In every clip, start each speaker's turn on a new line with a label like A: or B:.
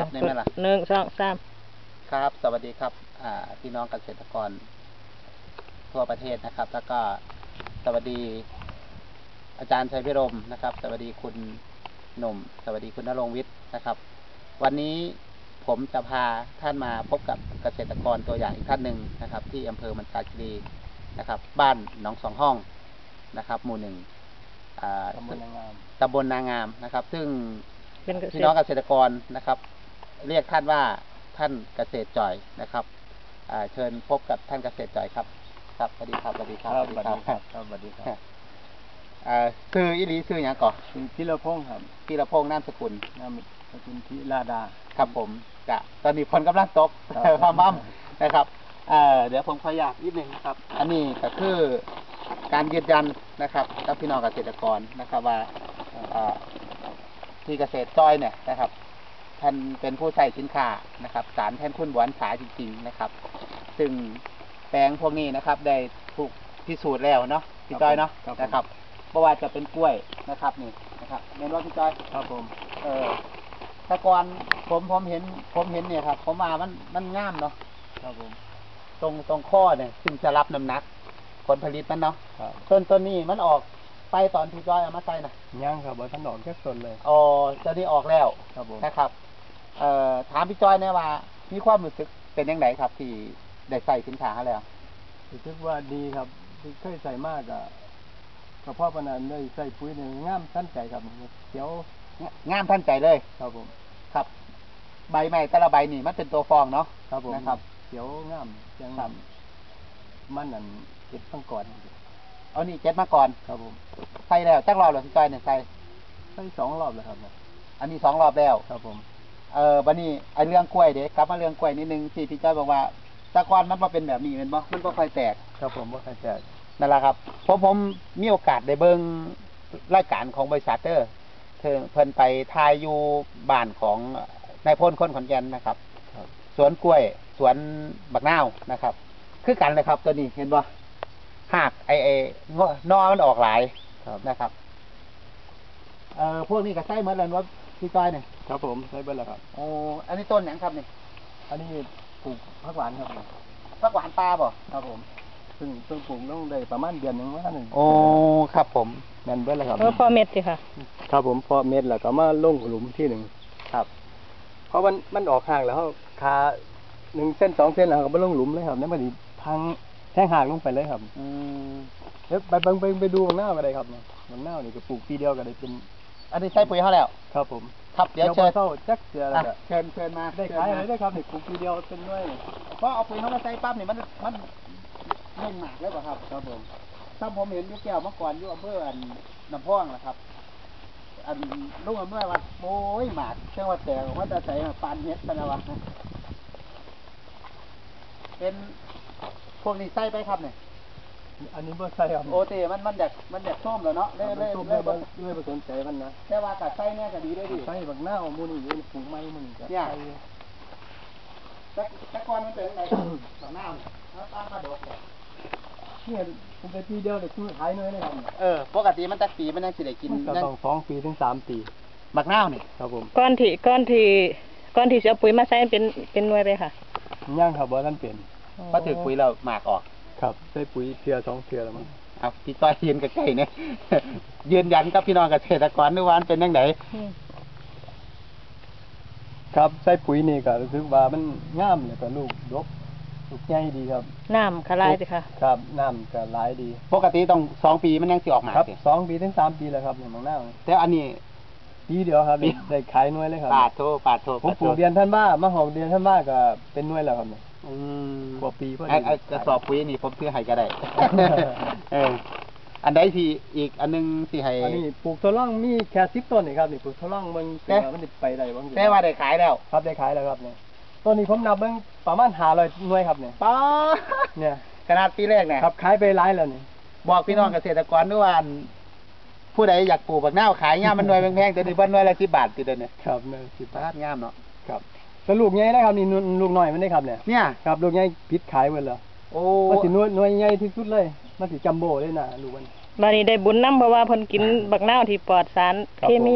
A: ครับในเวลา
B: 1 2 3
A: ครับสวัสดีครับพี่น้องเกษตรกรทั่วประเทศนะครับแล้วก็สวัสดีอาจารย์ชัยพิรมนะครับสวัสดีคุณหนุ่มสวัสดีคุณณรงค์วิทย์นะครับวันนี้ผมจะพาท่านมาพบกับเกษตรกรตัวอย่างอีกท่านหนึ่งนะครับที่อำเภอมันจาคีรีนะครับบ้านหนองสองห้องนะครับหมู่หนึ่งตำบลนางามนะครับซึ่งพี่น้องเกษตรกรนะครับเรียกท่านว่าท่านเกษตรจ่อยนะครับเชิญพบกับท่านเกษตรจ่อยครับครับสวัสดีครับสวัสดีครับ
C: สวัสดีครับสวัสดีครับ
A: ชื่ออีหลีชื่ออย่างก่อน
C: พิรพงศ์ครับ
A: พิรพงศ์นามสกุล
C: พิราดา
A: ครับผมกะตอนนี้ฝนกำลังตกพามั่มนะครับเดี๋ยวผมขออยากนิดนึงครับอันนี้ก็คือการยืนยันนะครับกับพี่น้องเกษตรกรนะครับว่าที่เกษตรจ้อยเนี่ยนะครับท่านเป็นผู้ใช้สินค้านะครับสารแทนคุณหวานสาจริงๆนะครับซึ่งแปลงพวกนี้นะครับได้ถูกพิสูจน์แล้วเนาะพี่จ้อยเนาะนะครับเพราะว่าจะเป็นกล้วยนะครับนี่นะครับเมนว่าพี่จ้อย
C: ครับผม
A: แต่ก่อนผมเห็นเนี่ยครับผมว่ามันงามเนาะ
C: ครับผม
A: ตรงข้อเนี่ยซึ่งจะรับน้ำหนักผลผลิตมันเนาะต้นนี้มันออกไปตอนที่จ้อยเอามาใส่นะ
C: ยังครับว่าท่านออกแค่ต้นเลย
A: อ๋อจะนี่ออกแล้ว
C: ครับผม
A: นะครับถามพี่จ้อยเนี่ยว่ามีความรู้สึกเป็นยังไงครับที่ได้ใส่สินค้าแล้ว
C: รู้สึกว่าดีครับเคยใส่มากอะกระเพาะปนันได้ใส่ปุ๋ยเนี่ยงามท่านใจครับเขียว
A: งามท่านใจเลย
C: ครับผม
A: ครับใบใหม่แต่ละใบนี่มันเป็นตัวฟองเนาะ
C: ครับผม
A: นะครับ
C: เขียวงามยังมันนั่นเก็บตั้งก่อน
A: เอานี่7มาก่อน
C: ครับผม
A: ใส่แล้วจักรอบหรือพี่จ้อยเนี่ยใส่
C: 2 รอบแล้วครับ
A: อันนี้2 รอบแล้ว
C: ครับผม
A: บัดนี้ไอ้เรื่องกล้วยเด็กกลับมาเรื่องกล้วยนิดนึงที่พี่จ้อยบอกว่าตะกอนมันบ่เป็นแบบนี้เป็นบ่มันบ่ค่อยแตก
C: ครับผมบ่ค่อยแตก
A: นั่นแหละครับผมมีโอกาสได้เบิ่งรายการของบริษัทเพิ่นไปทายอยู่บ้านของนายพลคนขอนแก่นนะครับสวนกล้วยสวนบักนาวนะครับคือกันเลยครับตัวนี้เห็นบ่หากไอ้นอมันออกหลายนะครับพวกนี้ก็ใช้เหมือนกันว่าพี่จ้อยเนี่ย
C: ครับผมใช้เบิดแล้วครับ
A: โอ้อันนี้ต้นหยังครับนี่
C: อันนี้ปลูกผักหวานครับ
A: ผักหวานปลาบ่
C: ครับผมซึ่งปลูกต้องได้ประมาณเดือนนึงว่านึง
A: โอ้ครับผม
C: แม่นเบิดแล้วครับ
B: พอเม็ดสิค่ะ
C: ครับผมพอเม็ดแล้วก็มาลงหลุมที่หนึ่ง
A: ครับ
C: เพราะมันออกห่างแล้วเขาคา1 เส้น 2 เส้นแล้วก็มาลงหลุมเลยครับนั่นมันสิพังแท่งห่างลงไปเลยครับเดี๋ยวไปดูข้างหน้าก็ได้ครับข้างหน้านี่ก็ปลูกปีเดียวก็ได้เป็น
A: อันนี้ใช้ปุ๋ยเขาแล้ว
C: ครับผม
A: ครับเดี๋ยวเชิญ
C: เข้าจักเสือแล้ว
A: เชิญมา
C: ได้ขายอะไรได้ครับนี่ปลูกปีเดียวเป็นด้วย
A: เพราะเอาปุ๋ยเขามาใส่ปั๊บนี่มันลงหมากแล้วป่ะครับ
C: ครับผม
A: ถ้าผมเห็นยุคแก้วเมื่อก่อนอยู่อำเภอน้ำพ่องนะครับอันลุงอำเภอว่าโอ้ยหมากเชื่อว่าแต่ว่าจะใส่ปานเฮ็ดกันนะวะเป็นพวกนี้ใส่ไปครับเนี่ย
C: อันนี้บ่ใส่ครับ
A: โอเตมันแดกส้มแล้วเนาะ
C: เลยบ่สนใจมันนะ
A: แต่ว่ากัดใส่เนี่ยก็ดีด้วยดิ
C: ใส่บักหน้าเอามูนี่อยู่ปลูกไม้มันก็
A: ใส่แต่ก่อนมันเป็นยังไงบักหน้าแล้วตามมาดอก
C: เนี่ยผมไปปีเดียวเด็กขายน้อยเลยครับ
A: ปกติมันตักปีมันยังสิได้กิน
C: ต้อง2 ปีถึง 3 ปี
A: บักหน้านี่
C: ครับผม
B: ก้อนที่เสียปุ๋ยมาใส่เป็นหน่วยไปค่ะ
C: ย่างครับบ่ท่านเปลี่ยน
A: พอถือปุ๋ยเราหมากออก
C: ครับใส่ปุ๋ยเทื่อ2 เทื่อแล้วมั้ง
A: พี่ต้อยยืนใกล้ๆเนี่ยยืนยันกับพี่น้องเกษตรกรด้วยว่าเป็นยังไง
C: ครับใส่ปุ๋ยนี่ก็รู้สึกว่ามันงามแล้วก็ลูกดกลูกใหญ่ดีครับ
B: น้ำก็หลายสิค่ะ
C: ครับน้ำก็หลายดี
A: ปกติต้อง2 ปีมันยังสิออกหมาก
C: ครับ2 ปีถึง 3 ปีแล้วครับอย่างบางหน้า
A: แต่อันนี้
C: ปีเดียวครับได้ขายหน่วยเลยครับ
A: ปาดโท
C: ผมปลูกเดือนท่านว่ามา6 เดือนท่านว่าก็เป็นหน่วยแล้วครับกว่าปีพอดี
A: กระสอบปุ๋ยนี่ผมซื้อให้ก็ได้อันใดที่อีกอันนึงที่ให้
C: อันนี้ปลูกทดลองมีแค่10 ต้นนี่ครับนี่ปลูกทดลองมันไปได้บาง
A: แต่ว่าได้ขายแล้ว
C: ครับได้ขายแล้วครับเนี่ยต้นนี้ผมนับเบิ่งประมาณ500 หน่วยครับเนี่ย
A: ป้า
C: เนี่ย
A: ขนาดปีแรกเนี่ย
C: ครับขายไปหลายแล้วนี่
A: บอกพี่น้องเกษตรกรด้วยว่าผู้ใดอยากปลูกบักนาวขายงามมันหน่วยแพงๆแต่นี่เพิ่นหน่วยละ10 บาทติดเด้อเนี่ย
C: ครับหน่วย10 บาท
A: งามเนาะ
C: ครับแล้วลูกใหญ่นะครับนี่ลูกน้อยมันได้ครับเนี่ยครับลูกใหญ่พิษขายเบิดแล้ว
A: โอ้
C: มันสิหน่วยใหญ่ที่สุดเลยมันสิจัมโบ้เลยนะลูกมัน
B: บัดนี้ได้บุญนำเพราะว่าเพิ่นกินบักนาวที่ปลอดสารเคมี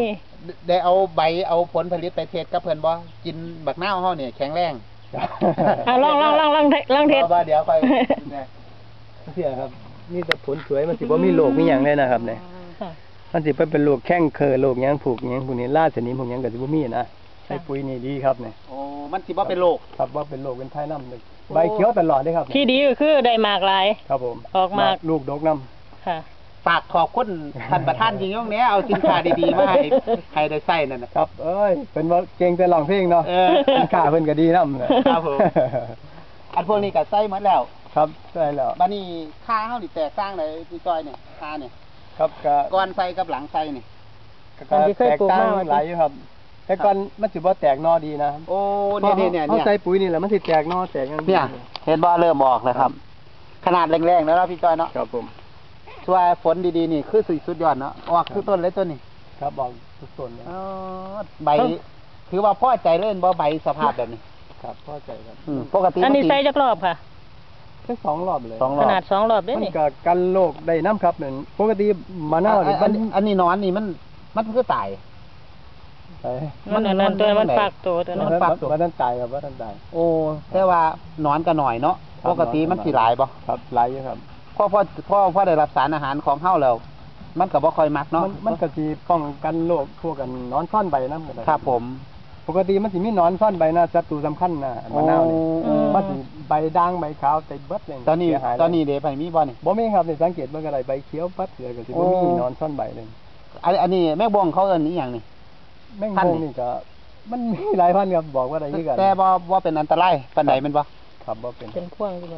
A: ได้เอาใบเอาผลผลิตไปเทศกับเพิ่นบ่กินบักนาวเฮานี่แข็งแรง
B: ลองเทศ
A: ว่าเดี๋ยวค่อยเนี่ย
C: เสียครับนี่แต่ผลสวยมันสิบ่มีโรคมีหยังเลยนะครับเนี่ย
B: ค่ะ
C: มันสิเป็นโรคแข้งเคอโรคหยังผูกหยังพวกนี้ราชนิมพวกหยังก็สิบ่มีนะใส่ปุ๋ยนี่ดีครับเนี่ย
A: โอ้มันสิบ่เป็นโรค
C: ครับว่าเป็นโรคเป็นไทน้ำเลยใบเขียวตลอดเลยครับ
B: ที่ดีก็คือได้หมากหลาย
C: ครับผม
B: ออกมาก
C: ลูกดกน้
B: ค่ะ
A: ฝากขอบคุณท่านประธานจริงๆเนี้ยเอาสินค้าดีๆมาให้ได้ใส่นั่นน่ะ
C: ำครับเอ้ยเป็นว่าเก่งแต่ร้องเพลงเนาะ
A: เออ
C: สินค้าเพิ่นก็ดีน้ำนะครับ
A: ผม อันพวกนี้ก็ใส่หมดแล้ว
C: ครับใช่แล้ว
A: บัดนี้ค่าเฮานี่แตกต่างได้พี่จอยเนี่ยค่าเนี่ย
C: ครับก็
A: ก่อนใส่กับหลังใส่นี่
B: อันที่เคย
C: แตก
B: ปลูก
C: ต่าง
B: มา
C: หลายอยู่ครับ แต่ก่อนมันสิบ่แตกหนอดีนะ
A: โอ้เนี่ย
C: เขาใส่ปุ๋ยนี่แหละมันสิแตกหนอแตกอย่าง
A: เนี่ยเห็นบ่เริ่มออกแล้วครับ ขนาดแรงๆแล้วเนาะพี่จอยเนาะ
C: ครับผม
A: ช่วยฝนดีๆนี่คือสุดยอดเนาะออกคือต้นเลยต้นนี่
C: ครับบอกทุกต้นเลย
A: อ๋อใบถือว่าพอใจเล่นบ่ใบสภาพแบบนี้
C: ครับพอใจครับ
A: ปกติ
B: อันนี้
A: มั
B: ใส่จักรอบค่ะ
C: แค่2 รอบเลย
A: สองร
B: ข
A: อบ
B: นาด2 รอบเด้
C: มัน
B: นี่
C: ก็กันโรคได้น้ำครับนั่นปกติมะนาวนี่
A: อันนี้นอนนี่มันคือตาย
C: ใช่
B: มันอันนั้นตัวมัน
A: มัน
B: ฝากตัวตัวนั้น
A: มันปรับตัว
C: ว่าท่านตายครับว่าท่านตาย
A: โอ้แต่ว่านอนก็หน่อยเนาะ
C: ครับ
A: ปกติมันสิหลายบ่
C: ครับหลายอยู่ครับ
A: พอได้รับสารอาหารของเฮาแล้ว มันก็บ่ค่อยมักเนาะ
C: มันก็สิป้องกันโรคพวกกันหนอนซ่อนใบนำก็ได้
A: ครับผม
C: ปกติมันสิมีหนอนซ่อนใบนะศัตรูสำคัญนะมะนาวนี่
A: โอ้
C: มันสิใบด่างใบขาวแต่เบิดเลย
A: ตอนนี้
C: เสียหายเลย
A: ตอนนี้เด้ไปมีบ่นี่
C: บ่มีครับนี่สังเกตเบิ่งก็ได้ใบเขียวปัดเลยก็สิบ่มี
A: โอ้
C: หนอนซ่อนใบเลย
A: อันนี้แม่บงเขาเอิ้นอีหยังนี่
C: แมง
A: พันธุ์
C: มุมนี่ก็มันมีหลายพันธุ์ครับบอกว่าได้คือกัน
A: แต่บ่เป็นอันตรายปานใดแม่นบ่
C: ครับบ่เป็น
B: เป็นพ่วงอยู่บน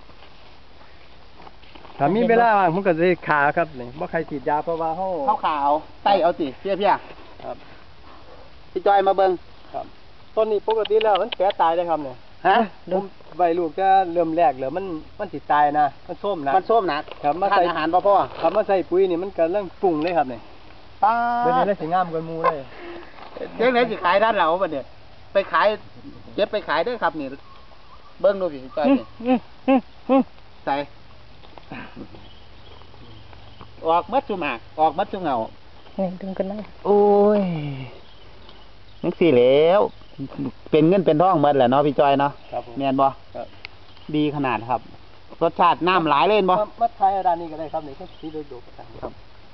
C: ถ้ามีเวลาว่างผมก็สิขาครับนี่บ่ใครฉีดยาเพราะว่าเฮา
A: ขาวๆใต้เอาสิเพี้ย
C: ครับ
A: ๆพี่จอยมาเบิ่ง
C: ครับต้นนี้ปกติแล้วมันแก่ตายเลยครับเนี่ย
A: ฮะ
C: ผมใบลูกจะเริ่มแรกแล้วมันสิตายนะมันส้มนะ
A: มันส้มหนัก
C: ครับมา
A: ทา
C: ใส่
A: นอาหารบ่พอ
C: ครับมาใส่ปุ๋ยนี่มันก็เริ่มปรุงเลยครับเนี่ย
A: ป้า
C: เดี๋ยวนี้ได้สิงามกว่าหมูเลย
A: เจ๊งไหนสิขายด้านเราบัดเนี่ยไปขายเก็บไปขายเด้อครับนี่เบิ่งดูพี่จอยนี่ใส่ออกมัดจุหมากออกมัดจุเหงา
B: นี่ดึงขึ้นมา
A: โอ้ยนักสิแล้วเป็นเงินเป็นทองหมดแหละเนาะพี่จอยเนาะ
C: ครับผม
A: แม่นบ่
C: ครับ
A: ดีขนาดครับ รสชาติน้ำหลายเลยเห็นบ่
C: มาทายร้านนี้ก็ได้ครับนี่ก็สีโดดๆครับ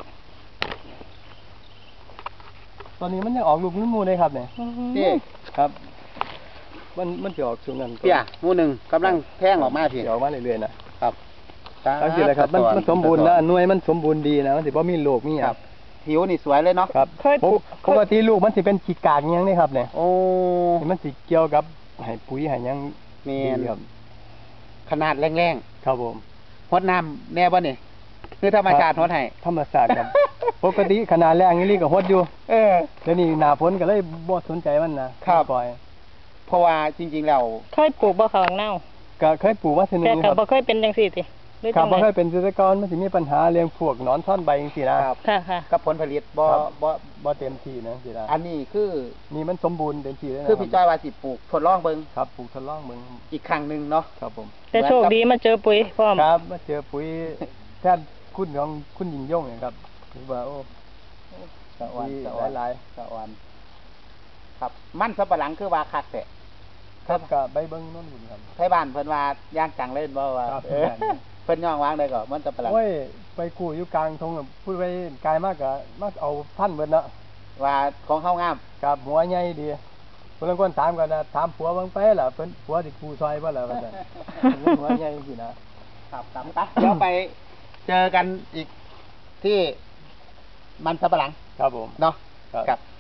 C: ตอนนี้มันยังออกลูกนุ่มมูเลยครับเนี่ย
A: พี่
C: ครับ มันจะออกช่วงนั้น
A: เพี่ยหมู่หนึ่งกำลังแท่งออกมาพี่
C: จะออกมาเรื่อยๆนะครับ ตั้งใจเลยครับมันสมบูรณ์นะหน่วยมันสมบูรณ์ดีนะมันสิบ่มีโรคมีห
A: ค
C: ยั
A: รั
C: ง
A: บผิวนี่สวยเลยเนาะ
C: ครับ
B: เคยปลูก
C: ปกติลูกมันสิเป็นขี้กากอิหยังนี่ครับเนี่ย
A: โอ้
C: ที่มันสิเกี่ยวกับให้ปุ๋ยให้หยัง
A: แม่
C: ดี
A: น
C: ครับ
A: ขนาดแรง
C: ครับผม
A: ๆพดน้ำแน่บ่นี่คือธรรมชาติฮดให้
C: ธรรมศาสตร์ครับ ปกติขนาดแรงนี่ก็ฮดอยู่
A: เออ
C: เดี๋ยวนี้หน้าฝนก็เลยบ่สนใจมันนะครับ ปล่อย
A: เพราะว่าจริงๆแล้ว
B: เคยปลูกบ่ข้างเน่า
C: ก็เคยปลูกมาทีนึ
B: แต่
C: งค
B: ก็
C: รับ
B: บ่เคยเป็นจังซี่ติหรือ
C: ครั
B: จั
C: บ
B: ง
C: บ่
B: ได
C: เคยเป็นเกษตรกรมันสิมีปัญหาเรื่องพวกหนอนซ่อนใบจังซี่นะครับ
B: ค่ะค่ะ
A: กับผลผลิตบ่
C: ครับ
A: บ่
C: บ่เต็มที่นะสินะ
A: อันนี้คือ
C: นี่มันสมบูรณ์เต็มที่เลยนะ
A: คือพี่จ้อยว่าสิปลูกทดลองเบิ่ง
C: ครับปลูกทดลองเบิ่ง
A: อีกครั้งหนึงเนาะ
C: ครับผม
B: แต่โชคดีมาเจอปุ๋ยพร้อม
C: ครับมาเจอปุ๋ยแทนคุณของคุณหญิงย่งเนี่ยครับถือว่าโอ้
A: สะออน
C: ดี
A: สะออน
C: หลาย
A: สะออนครับมันสับปะหลังคือว่าคักแต่
C: ๆครับก็ใบเบิ่งโนู่นหุ่นครับ
A: ไทบ้านเพิ่นว่าย่างจังเล่นบ่ว่า
C: ครับ
A: เออเพิ่นย่องวางได้ก็มันสับปะหลัง
C: โอ้ยไปกู้อยู่กลางทงน่ะพูดไปไกลมากก็มาเอาท่านเบิดเนาะ
A: ว่าของเฮางาม
C: กับหัวใหญ่ดีเพิ่นคนถามกันนะถามผัวเบิ่งไปล่ะเพิ่นผัวสิกู้ซอยบ่ล่ะว่าซั่นหัวใหญ่จังซี่นะครับ
A: ครับไปเดี๋ยวไปเจอกันอีกที่มันสับปะหลัง
C: ครับผม
A: เนาะ
C: ครับ
A: ครับ